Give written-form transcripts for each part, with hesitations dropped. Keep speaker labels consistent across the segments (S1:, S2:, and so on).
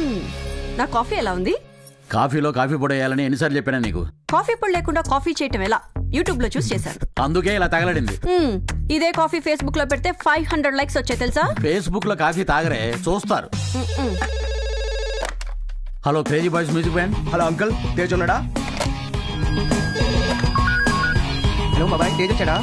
S1: నా కాఫీ ఎలా ఉంది?
S2: కాఫీలో కాఫీ పొడి వేయాలని ఎన్నిసార్లు చెప్పానా నీకు?
S1: కాఫీ పొడి లేకుండా కాఫీ చేయటం ఎలా యూట్యూబ్ లో చూసి చేశాను.
S2: అందుకే ఇలా తగలడింది.
S1: ఇదే కాఫీ ఫేస్బుక్ లో పెడితే 500 లైక్స్ వచ్చాయి తెలుసా?
S2: ఫేస్బుక్ లో కాఫీ తాగరే చూస్తారు. Hello crazy boys music band.
S3: Hello uncle, Tej ఉన్నాడా? హలో బాబాయ్, తేజ్ వచ్చాడా?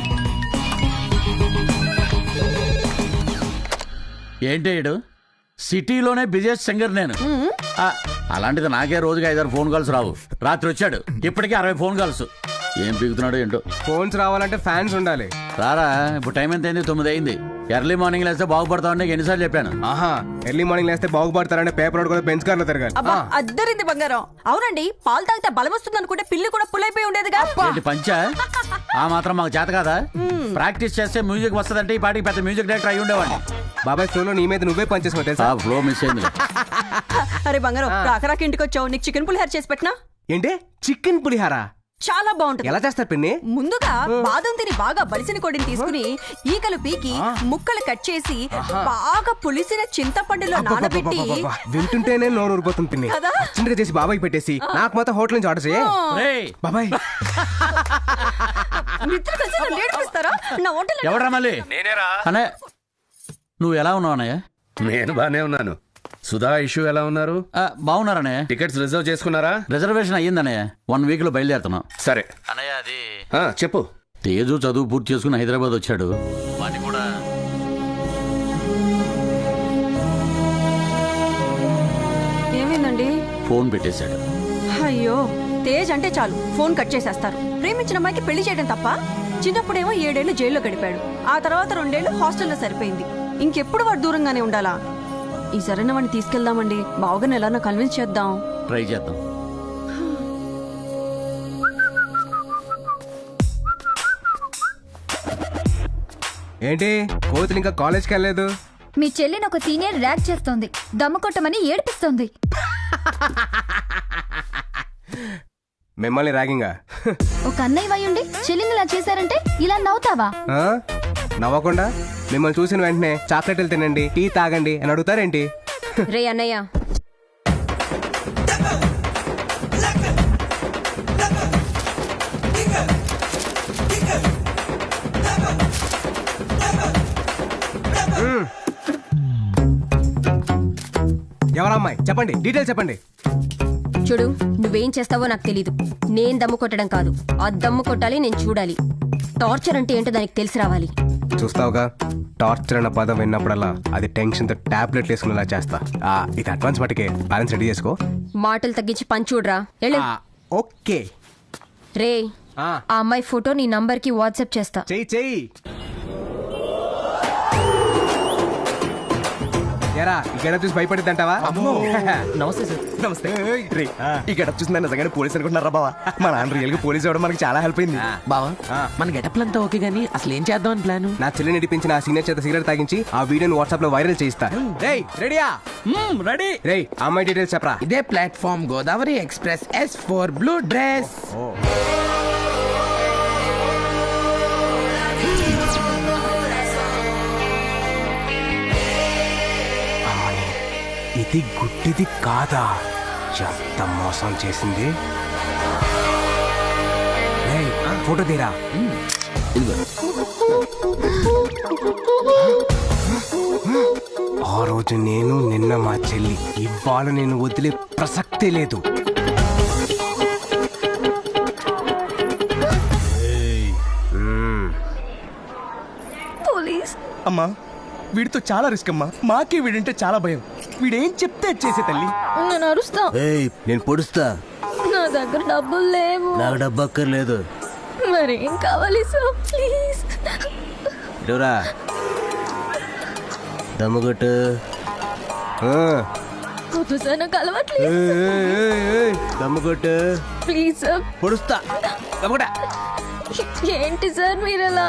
S2: ఏంటి ఈడు? సిటీలోనే బిజియెస్ట్ సింగర్ నేను. అలాంటిది నాకే రోజుకి 5-6 ఫోన్ కాల్స్ రావు. రాత్రి వచ్చాడు, ఇప్పటికే 60 ఫోన్ కాల్స్. ఏం పీకుతున్నాడు ఏంటో.
S3: ఫోన్స్ రావాలంటే ఫ్యాన్స్ ఉండాలి.
S2: రారా, ఇప్పుడు టైం ఎంత అయింది? 9 అయింది. ఎర్లీ మార్నింగ్ లేస్తే బాగుపడతామని నీకు ఎన్నిసార్లు చెప్పాను.
S3: ఆహా, ఎర్లీ మార్నింగ్ లేస్తే బాగుపడతారంటే పేపర్ కూడా బెంచ్ కార్లో తిరగాలి.
S1: అబ్బా అద్దరింది బంగారం. అవునండి, పాలు తాగితే బలం వస్తుంది అనుకుంటే పిల్లి కూడా పుల్లైపోయి ఉండేదిగా.
S2: ఏంటి పంచా? ఆ మాత్రం మాకు చేత కాదా? ప్రాక్టీస్ చేస్తే మ్యూజిక్ వస్తుందంటే ఈ పాటికి పెద్ద మ్యూజిక్ డైరెక్టర్ అయి ఉండేవాడిని.
S3: బాబాయ్ ఫ్లోలో నీ మీద నువ్వే పనిచేసావు తెలుసా?
S2: ఫ్లో మిస్ అయింది.
S1: అరే బంగారం, రాకరాకి ఇంటికి వచ్చావు, నీకు చికెన్ పులిహార చేసి పెట్టినా?
S3: ఏంటి చికెన్ పులిహారా?
S1: చాలా బాగుంటుంది.
S3: ఎలా చేస్తారు పిన్ని?
S1: ముందుగా బాదం తిని బాగా బలిసిన కొడిని తీసుకుని ఈకలు పీకి ముక్కలు కట్ చేసి బాగా పులిసిన చింతపండులో నానబెట్టి.
S3: వింటుంటేనే నోరు ఊరిపోతుంది పిన్ని. చిన్నగా చేసి బాబాయ్ పెట్టేసి నాకు మాత్రం హోటల్ నుంచి ఆర్డర్ చేయి. బాబాయ్
S1: మిత్రులు కలిసి నన్ను ఏడిపిస్తారా? నా హోటల్
S2: ఎవడ్రా మళ్ళీ?
S4: నేనేరా.
S2: అనే నువ్వు ఎలా ఉన్నావు అన్నయ్య?
S4: నేను బానే ఉన్నాను. సుధా ఇష్యూ ఎలా ఉన్నారు?
S2: బాగున్నారనే.
S4: టికెట్స్ రిజర్వ్ చేసుకున్నారా?
S2: రిజర్వేషన్ అయ్యిందన్నయ్య. 1 వీక్ లో బయలుదేరుతున్నాం.
S4: సరే
S2: అన్నయ్య, అది
S4: చెప్పు.
S2: తేజు చదువు పూర్తి చేసుకుని హైదరాబాద్ వచ్చాడు. వాడిని కూడా
S1: ఏమైందండి?
S2: ఫోన్ పెట్టేశాడు.
S1: అయ్యో, తేజ్ అంటే చాలు ఫోన్ కట్ చేసేస్తారు. ప్రేమించిన అమ్మాయికి పెళ్లి చేయడం తప్ప. చిన్నప్పుడేమో 7 ఏళ్లు జైల్లో గడిపాడు. ఆ తర్వాత 2 ఏళ్లు హాస్టల్లో సరిపోయింది. ఇంకెప్పుడు వాడు దూరంగానే ఉండాలా? ఈ సరైన వాడిని తీసుకెళ్దామండి. బావగారిని ఎలా కన్విన్స్ చేద్దాం.
S2: ట్రై చేద్దాం.
S3: ఏంటి కోతులు ఇంకా కాలేజ్కి వెళ్ళలేదు?
S5: మీ చెల్లిని ఒక సీనియర్ ర్యాక్ చేస్తోంది, దమ్ము కొట్టమని ఏడిపిస్తోంది.
S3: మిమ్మల్ని ర్యాగింగా?
S5: ఒక అన్నయ్య వయ్యుండి చెల్లిని ఇలా చేశారంటే ఇలా నవ్వుతావా?
S3: నవ్వకుండా మిమ్మల్ని చూసిన వెంటనే చాక్లెట్లు తినండి, టీ తాగండి అని అడుగుతారేంటి?
S1: రే అన్నయ్య,
S3: ఎవరమ్మాయి చెప్పండి, డీటెయిల్స్ చెప్పండి.
S6: చూడు, నువ్వేం చేస్తావో నాకు తెలీదు. నేను దమ్ము కొట్టడం కాదు, ఆ దమ్ము కొట్టాలి, నేను చూడాలి. టార్చర్ అంటే ఏంటో దానికి తెలిసి రావాలి.
S3: చూస్తావుగా, టార్చర్ అన్న పదం విన్నప్పుడల్లా అది టెన్షన్ తో టాబ్లెట్ వేసుకునేలా చేస్తా. ఇది అడ్వాన్స్ మటుకే, బ్యాలెన్స్ రెడీ చేసుకో.
S6: మాటలు తగ్గించి పని చూడరా.
S3: ఓకే
S6: రే, ఆ అమ్మాయి ఫోటో నీ నంబర్ కి వాట్సాప్ చేస్తా.
S3: చెయ్యి. ఎరా ఈ గడప చూసి భయపడిద్దంటావా?
S7: నమస్తే సార్.
S3: నమస్తే. ఈ గడప చూసి నన్ను నిజంగానే పోలీస్ అనుకుంటున్నారా బావా? మా నాన్న రియల్ గా పోలీస్ అవ్వడం మనకి చాలా హెల్ప్ అయింది.
S7: బావా, మన గెటప్లు అంతా ఓకే గానీ అసలు ఏం చేద్దామని ప్లాన్?
S3: నా చెల్లిని నడిపించిన ఆ సీనియర్ చేత సిగరెట్ తాగించి ఆ వీడియోని వాట్సాప్ లో వైరల్ చేయిస్తా. రెడీయా?
S7: రెడీ.
S3: రేయ్, అమ్మాయి డీటెయిల్స్ చెప్పరా.
S7: ఇదే platform, Godavari express, S4 blue dress.
S3: ఇది గుడ్డిది కాదా? ఎంత మోసం చేసింది. ఫోటో తీరా. ఆ రోజు నేను, నిన్న మా చెల్లి, ఇవాళ నేను వదిలే ప్రసక్తే లేదు.
S5: పోలీస్
S8: అమ్మా, వీడితో చాలా రిస్క్ అమ్మా. మాకే వీడంటే చాలా భయం. వీడేం చెప్తే చేసే తల్లి.
S5: నేను అరుస్తా.
S2: నేను పొడుస్తా.
S5: నా దగ్గర డబ్బులు లేవు.
S2: నాకు డబ్బు అక్కర్లేదు.
S5: మరేం కావాలి సార్, ప్లీజ్.
S2: దమ్ముగొట్టు.
S5: వద్దు సార్, నాకు అలవాట్లేదు.
S2: దమ్ముగొట్టు.
S5: Please sir.
S2: పొడుస్తా.
S5: ఏంటి సార్ మీరు ఎలా?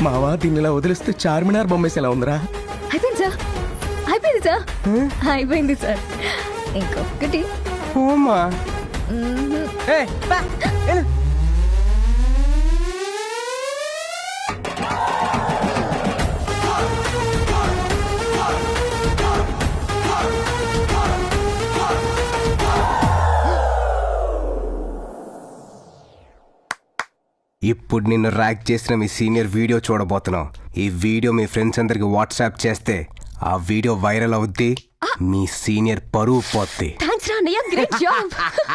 S8: మావా దీన్ని ఇలా వదిలిస్తే చార్మినార్ బొమ్మేసి ఎలా ఉందిరా?
S5: అయిపోయింది సార్, అయిపోయింది సార్, అయిపోయింది సార్. ఇంకొకటి.
S8: ఓమా ఏయ్, బా, వెళ్ళు.
S3: ఇప్పుడు నిన్ను ర్యాక్ చేసిన మీ సీనియర్ వీడియో చూడబోతున్నాం. ఈ వీడియో మీ ఫ్రెండ్స్ అందరికి వాట్సాప్ చేస్తే ఆ వీడియో వైరల్ అవుద్ది, మీ సీనియర్ పరువు పోద్ది.
S6: థ్యాంక్స్ రా అన్నయ్య, గ్రేట్ జాబ్.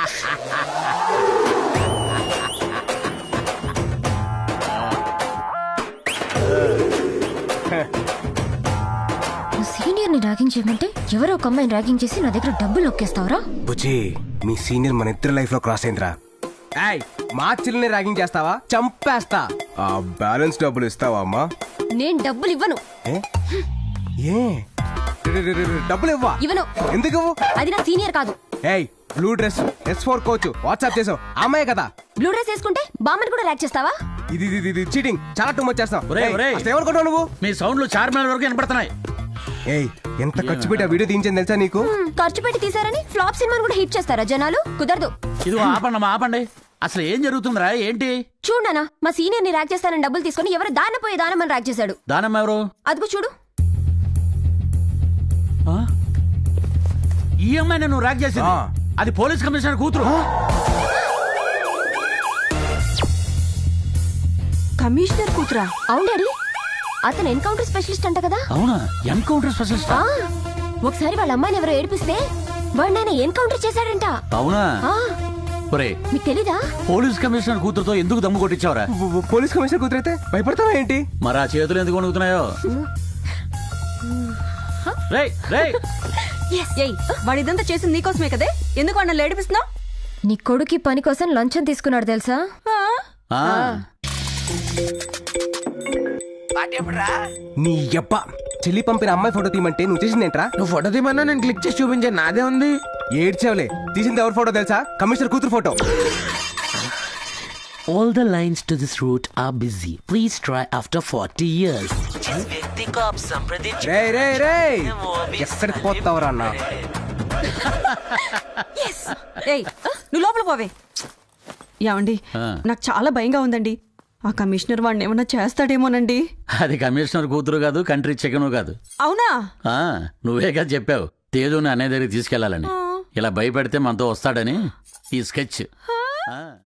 S5: సీనియర్ ని ర్యాగింగ్ చేయమంటే ఎవరో ఒక అమ్మాయిని ర్యాగింగ్ చేసి నా దగ్గర డబ్బులు నొక్కేస్తావరా?
S3: బుజ్జి, మీ సీనియర్ మన ఇద్దరు లైఫ్ లో క్రాస్ అయిందిరా. ఏయ్, మా చెల్లిని ర్యాగింగ్ చేస్తావా? చంపేస్తా. ఆ బ్యాలెన్స్ డబ్బులు ఇస్తావా అమ్మా?
S6: నేను డబ్బులు ఇవ్వను.
S3: ఏ? ఏ? డబ్బులు ఇవ్వా?
S6: ఇవ్వను.
S3: ఎందుకు ఇవ్వు?
S6: అది నా సీనియర్ కాదు.
S3: ఏయ్, blue dress S4 coach WhatsApp చేసావు, అమ్మాయి కదా?
S6: బ్లూ డ్రెస్ వేసుకుంటే బామ్మని కూడా ర్యాక్ చేస్తావా?
S3: ఇది చీటింగ్, చాలా టూ మచ్ చేస్తావు.
S2: ఒరేయ్, ఒరేయ్.
S3: ఏమనుకుంటావు నువ్వు?
S2: మీ సౌండ్లు చార్మినార్ వరకు వినపడుతున్నాయి.
S3: ఏయ్, ఎంత ఖర్చు పెట్టి ఆ వీడియో తీయించింది తెలుసా నీకు?
S6: ఖర్చు పెట్టి తీసారని ఫ్లాప్ సినిమాని కూడా హిట్ చేస్తారా జనాలు? కుదరదు.
S2: ఇదిగో ఆపండి ఆపండి. అసలు ఏం జరుగుతుందిరా? ఏంటి?
S6: చూడనా, మా సీనియర్ ని ర్యాక్ చేస్తానని డబ్బులు తీసుకుని ఎవరు దానపోయే దానమని ర్యాక్ చేశాడు.
S2: దానమ్మ ఎవరు?
S6: అదిగో చూడు.
S2: ఈ అమ్మాయిని నువ్వు ర్యాక్ చేసింది?
S3: ఆ.
S2: అది పోలీస్ కమిషనర్ కూతురు.
S1: కమిషనర్ కూతురా?
S6: అవును డాడీ, అతను ఎన్కౌంటర్ స్పెషలిస్ట్ అంట కదా.
S2: అవునా? Encounter specialist?
S6: ఆ, ఒకసారి వాళ్ళ అమ్మాయిని ఎవరో ఏడిపిస్తే వాడు నేను ఎన్కౌంటర్ చేశాడంట.
S2: అవునా?
S6: ఆ,
S2: ఒరే,
S6: మీకు తెలీదా?
S2: పోలీస్ కమిషనర్ కూతురుతో ఎందుకు దమ్ము కొట్టించావురా?
S3: పోలీస్ కమిషనర్ కూతురైతే భయపడతావా ఏంటి?
S2: మరి ఆ చేతులు ఎందుకు వణుకుతున్నాయో? రేయ్, రేయ్.
S1: ఏయ్, వాడిదంతా చేసింది నీకోసమే కదే, ఎందుకు అన్న లేడిపిస్తున్నావు?
S5: నీ కొడుకి పని కోసం లంచం తీసుకున్నాడు తెలుసా?
S2: ఆ.
S3: నీ యబ్బ, చెల్లి పంపిన అమ్మాయి ఫోటో తీయమంటే నువ్వు చేసిందేంట్రా?
S7: నువ్వు ఫోటో తీమన్నా నేను క్లిక్ చేసి చూపించాను, నాదే ఉంది.
S3: ఏడ్చావులే, తీసింది ఎవరి ఫోటో తెలుసా? కమిషనర్ కూతురు photo.
S9: All the lines to this route are busy. Please try after 40 years.
S3: రే రే రే, ఎక్కడికి పోతావురా అన్న?
S1: ఏయ్, నువ్వు లోపల పోవే. ఏమండి, నాకు చాలా భయంగా ఉందండి. ఆ కమిషనర్ వాడిని ఏమన్నా చేస్తాడేమోనండి.
S2: అది కమిషనర్ కూతురు కాదు, కంట్రీ చికెను కాదు.
S1: అవునా?
S2: నువ్వే కదా చెప్పావు తేజుని అనే దగ్గరికి తీసుకెళ్లాలని. ఇలా భయపెడితే మనతో వస్తాడని ఈ స్కెచ్.